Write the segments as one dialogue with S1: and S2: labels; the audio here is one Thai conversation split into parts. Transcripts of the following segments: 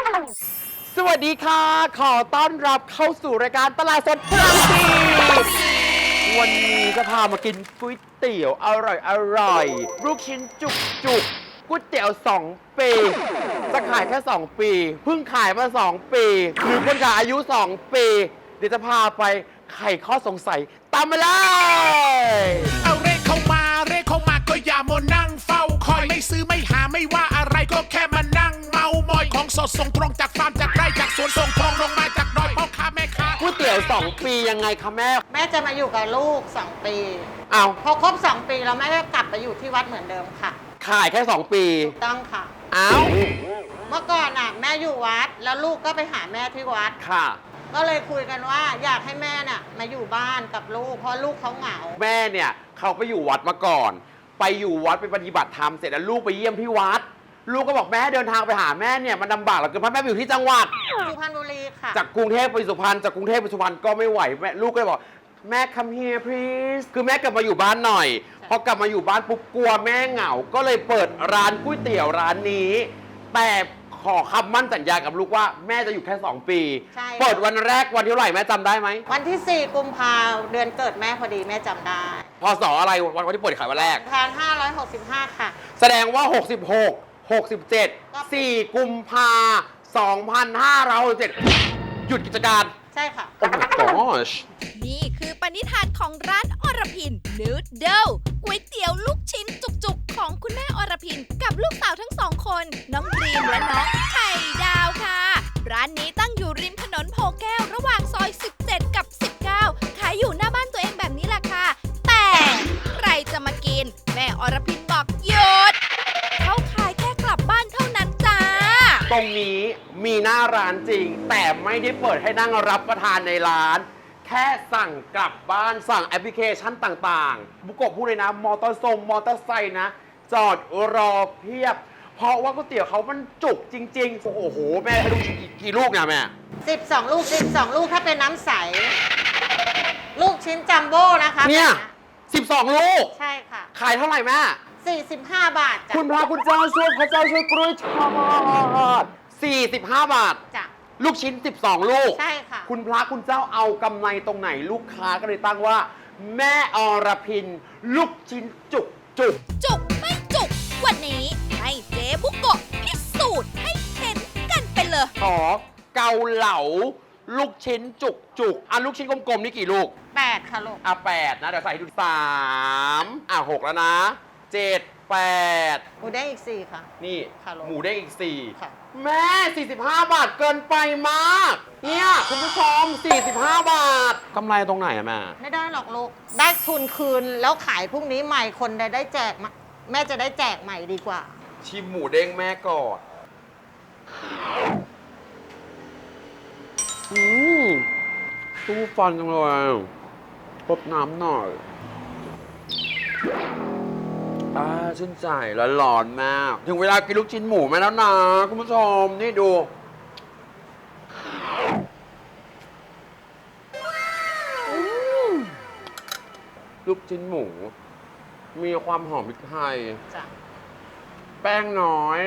S1: สวัสดีค่ะ ขอต้อนรับเข้าสู่รายการตลาดสดพลังสีวันนี้จะพามากินก๋วยเตี๋ยวอร่อยลูกชิ้นจุกก๋วยเตี๋ยว2 ปีจะขายแค่2 ปีเพิ่งขายมา2 ปีหรือคนขายอายุ 2 ปีเดี๋ยวจะพาไปไขข้อสงสัยตามมาเลย
S2: เอาเรียกเข้ามาก็อย่ามัวนั่งเฝ้าคอยไม่ซื้อไม่หาไม่ว่าอะไรก็แค่มานั่งเมามอยของสดส่งตรงจากฟาร์มจากไร่จากสวนส่งตรงลงมาจากดอยพ่อค้าแม่ค้า
S1: ก๋วยเตี๋ยว2 ปียังไงคะแม่
S3: แม่จะมาอยู่กับลูก 2 ปี
S1: เอา
S3: พอครบ 2 ปีแล้วแม่ก็กลับไปอยู่ที่วัดเหมือนเดิมค่ะ
S1: ขายแค่2 ปี
S3: ถูกต้องค่ะ
S1: เอา
S3: เมื่อก่อนน่ะแม่อยู่วัดแล้วลูกก็ไปหาแม่ที่วัด
S1: ค่ะ
S3: ก็เลยคุยกันว่าอยากให้แม่น่ะมาอยู่บ้านกับลูกเพราะลูกเขาเหงา
S1: แม่เนี่ยเขาไปอยู่วัดมาก่อน ไปอยู่วัดไปปฏิบัติธรรมเสร็จแล้วลูกไปเยี่ยมที่วัด ลูกก็บอกแม่เดินทางไปหาแม่เนี่ยมันลำบากเหลือเกินเพราะแม่ไปอยู่ที่จังหวัด
S3: สุพรรณบุรีค่ะ
S1: จากกรุงเทพไปสุพรรณจากกรุงเทพไปสุพรรณก็ไม่ไหวแม่ลูกก็เลยบอกแม่ come here please คือแม่กลับมาอยู่บ้านหน่อยพอกลับมาอยู่บ้านปุ๊บกลัวแม่เหงา ก็เลยเปิดร้านก๋วยเตี๋ยวร้านนี้ แต่ขอคำมั่นสัญญากับลูกว่าแม่จะอยู่แค่ 2 ปี
S3: ใช่
S1: เปิดวันแรกวันที่เท่าไหร่แม่จำได้ไหม
S3: วันที่ 4 กุมภาเดือนเกิดแม่พอดีแม่จำได้
S1: พศอะไรวันที่เปิดขายวันแรก
S3: 1565 ค่ะ
S1: แสดงว่า 66 67 4 กุมภา2567หยุดกิจการ
S3: ใช่ค่ะ
S1: โอ้ my gosh
S4: นี่คือปณิธานของร้านอรพินนูดเดิลก๋วยเตี๋ยวลูกชิ้นจุกๆ ของคุณแม่อรพินกับลูกสาวทั้งสองคน น้องดรีมและน้องไข่ดาวค่ะ ร้านนี้ตั้งอยู่ริมถนนโพแก้วระหว่างซอย 17 กับ 19 ขายอยู่หน้าบ้านตัวเองแบบนี้แหละค่ะ แต่ใครจะมากิน แม่อรพินบอกหยุดเขาขายแค่กลับบ้านเท่านั้นจ้า
S1: ตรงนี้มีหน้าร้านจริง แต่ไม่ได้เปิดให้นั่งรับประทานในร้าน แค่สั่งกลับบ้านสั่งแอปพลิเคชันต่างๆ บุกโกะพูดเลยนะ มอเตอร์ไซค์นะ จอดรอเพียบ เพราะว่าก๋วยเตี๋ยวเขามันจุกจริง ๆ โอ้โห แม่ให้ลูกกี่ลูกเนี่ยแม่
S3: 12 ลูก 12 ลูกถ้าเป็นน้ำใส ลูกชิ้นจัมโบ้นะคะ
S1: เนี่ย 12 ลูก
S3: ใช่ค่ะ
S1: ขายเท่าไหร่แม่
S3: 45 บาทจ้ะ
S1: คุณพระคุณเจ้าช่วยพระเจ้าช่วยกล้วยทอด45 บาท
S3: จ้ะ
S1: ลูกชิ้น 12 ลูก
S3: ใช่ค่ะ
S1: คุณพระคุณเจ้าเอากำไรตรงไหนลูกค้าก็เลยตั้งว่า แม่อรพิน ลูกชิ้นจุก
S4: จุกไม่จุก วันนี้ให้เจ๊บุกโกะพิสูจน์ให้เห็นกันไปเลย
S1: ขอเกาเหลา ลูกชิ้นจุกอ่ะลูกชิ้นกลมๆนี่กี่ลูก
S3: 8 ค่ะลูก
S1: อ่ะ8นะเดี๋ยวใส่ให้ดู3อ่ะ6แล้วนะ7 8
S3: หมูแดงอีก 4 ค่ะ
S1: นี่
S3: ค่ะลูก
S1: หมูได้อีก
S3: ค่ะ
S1: 4 แม่ 45 บาทเกินไปมาก เนี่ยคุณผู้ชม 45 บาทกำไรตรงไหนอะแม่
S3: ไม่ได้หรอกลูก ได้ทุนคืนแล้วขายพรุ่งนี้ใหม่คนได้แจกมาแม่จะได้แจกใหม่ดีกว่า
S1: ชิมหมูเด้งแม่ก่อนตู้ฟันจังเลยพบน้ำหน่อยชื่นใจและร้อนมาก ถึงเวลากินลูกชิ้นหมูมาแล้วนะ คุณผู้ชม นี่ดู ลูกชิ้นหมู มีความหอมพริกไทย
S3: จ้ะ
S1: แป้งน้อย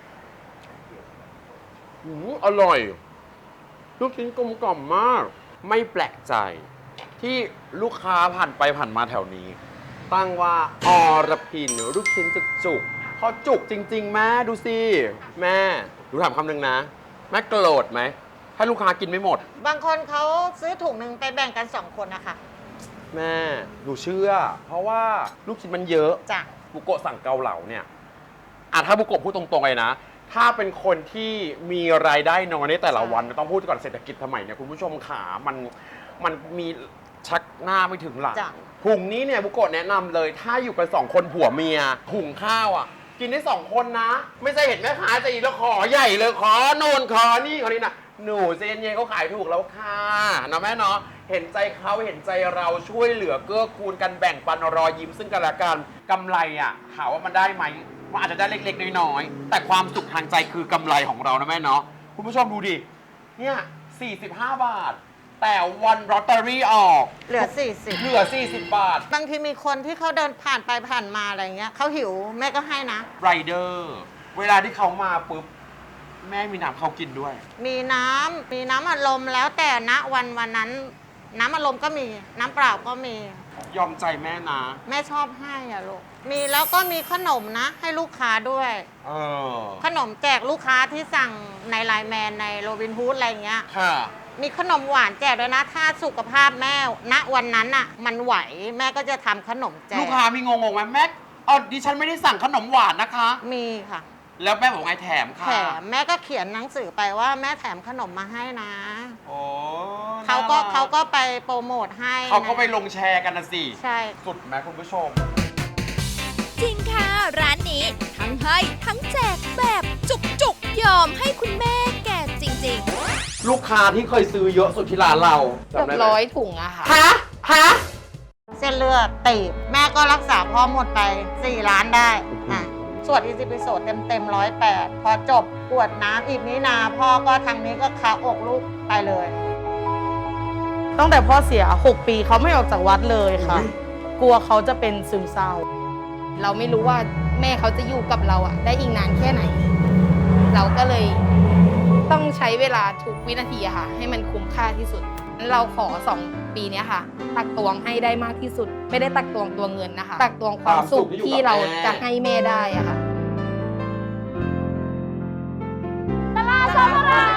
S1: อร่อย ลูกชิ้นกลมกล่อมมาก ไม่แปลกใจ ที่ลูกค้าผ่านไปผ่านมาแถวนี้ ตั้งว่าอรพินลูกชิ้นจุกๆพอจุกจริง ๆ แม่ดูสิ แม่ดูถามคำหนึ่งนะ แม่โกรธไหม ถ้าลูกค้ากินไม่หมด
S3: บางคนเขาซื้อถุงหนึ่งไปแบ่งกัน 2 คนนะคะ
S1: แม่หนูเชื่อ เพราะว่าลูกชิ้นมันเยอะ
S3: จ้ะ
S1: บุโกะสั่งเกาเหลาเนี่ยถ้าบุโกะพูดตรงๆเลยนะ ถ้าเป็นคนที่มีรายได้น้อยในแต่ละวันต้องพูดก่อนเศรษฐกิจสมัยเนี่ยคุณผู้ชมขามันมีชักหน้าไม่ถึงหลัง
S3: จ้ะ
S1: หุงนี้เนี่ยบุโกะแนะนำเลย ถ้าอยู่กัน2 คนผัวเมียหุงข้าวอ่ะ กินได้2 คนนะ ไม่ใช่เห็นแม่ค้าจะอีแล้วขอใหญ่เลยขอโน่นขอนี่ขอนี่นะหนูเจนเย็นเขาขายถูกแล้วค่ะนะแม่เนาะเห็นใจเขาเห็นใจเราช่วยเหลือเกื้อกูลกันแบ่งปันรอยยิ้มซึ่งกันและกันกำไรอ่ะถามว่ามันได้ไหมมันอาจจะได้เล็กๆน้อยๆแต่ความสุขทางใจคือกำไรของเรานะแม่เนาะคุณผู้ชมดูดิเนี่ย45 บาท แต่วันลอตเตอรี่ออก
S3: เหลือ
S1: เหลือ40 บาท
S3: 40 บางทีมีคนที่เขาเดินผ่านไปผ่านมาอะไรเงี้ยเขาหิวแม่ก็ให้นะ
S1: ไรเดอร์เวลาที่เขามาปุ๊บแม่มีน้ำเขากินด้วย
S3: มีน้ำอัดลมแล้วแต่ณวันนั้น น้ำอัดลมก็มีน้ำเปล่าก็มี
S1: ยอมใจแม่นะ
S3: แม่ชอบให้อะลูกมีแล้วก็มีขนมนะ ให้ลูกค้าด้วย
S1: เออ
S3: ขนมแจกลูกค้าที่สั่งในไลน์แมนในโรบินฮูดอะไรเงี้ย
S1: ค่ะ
S3: มีขนมหวานแจกด้วยนะ ถ้าสุขภาพแม่ณวันนั้นอะมันไหวแม่ก็จะทำขนมแจก
S1: ลูกค้ามีงงๆไหมแม่ดิฉันไม่ได้สั่งขนมหวานนะคะ
S3: มีค่ะ
S1: แล้วแม่บอกไงแถมค่ะ
S3: แถมแม่ก็เขียนหนังสือไปว่าแม่แถมขนมมาให้นะ
S1: โอ้
S3: เขาก็ไปโปรโมทให้
S1: เขาก็ไป
S3: นะ
S1: ลงแชร์กันนะสิ
S3: ใช่
S1: สุดไหมคุณผู้ชม
S4: จริงค่ะ ร้านนี้ทั้งให้ทั้งแจกแบบจุกๆ ยอมให้คุณแม่แก่จริงๆ
S1: ลูกค้าที่เคยซื้อเยอะสุดที่ร้านเรา
S5: เกือบ
S1: จำได้ไหม
S5: 100 ถุงอะค่ะ
S1: ฮะ
S3: เส้นเลือดตีบแม่ก็รักษาพ่อหมดไป 4 ล้านได้อ่ะสวดอีซิปิโสดเต็ม108 พอจบกวดน้ำอีกนี้นาพ่อก็ทางนี้ก็คาอกลูกไปเลย
S6: ตั้งแต่พ่อเสีย 6 ปีเขาไม่ออกจากวัดเลยค่ะ กลัวเขาจะเป็นซึมเศร้า
S5: เราไม่รู้ว่าแม่เขาจะอยู่กับเราอะได้อีกนานแค่ไหน เราก็เลยต้องใช้เวลาทุกวินาทีอะค่ะ ให้มันคุ้มค่าที่สุด เราขอ 2 ปีเนี้ยค่ะ ตักตวงให้ได้มากที่สุด ไม่ได้ตักตวงตัวเงินนะคะ ตักตวงความสุขที่เราจะให้แม่ได้อะค่ะ
S4: ตลาดสดตลาด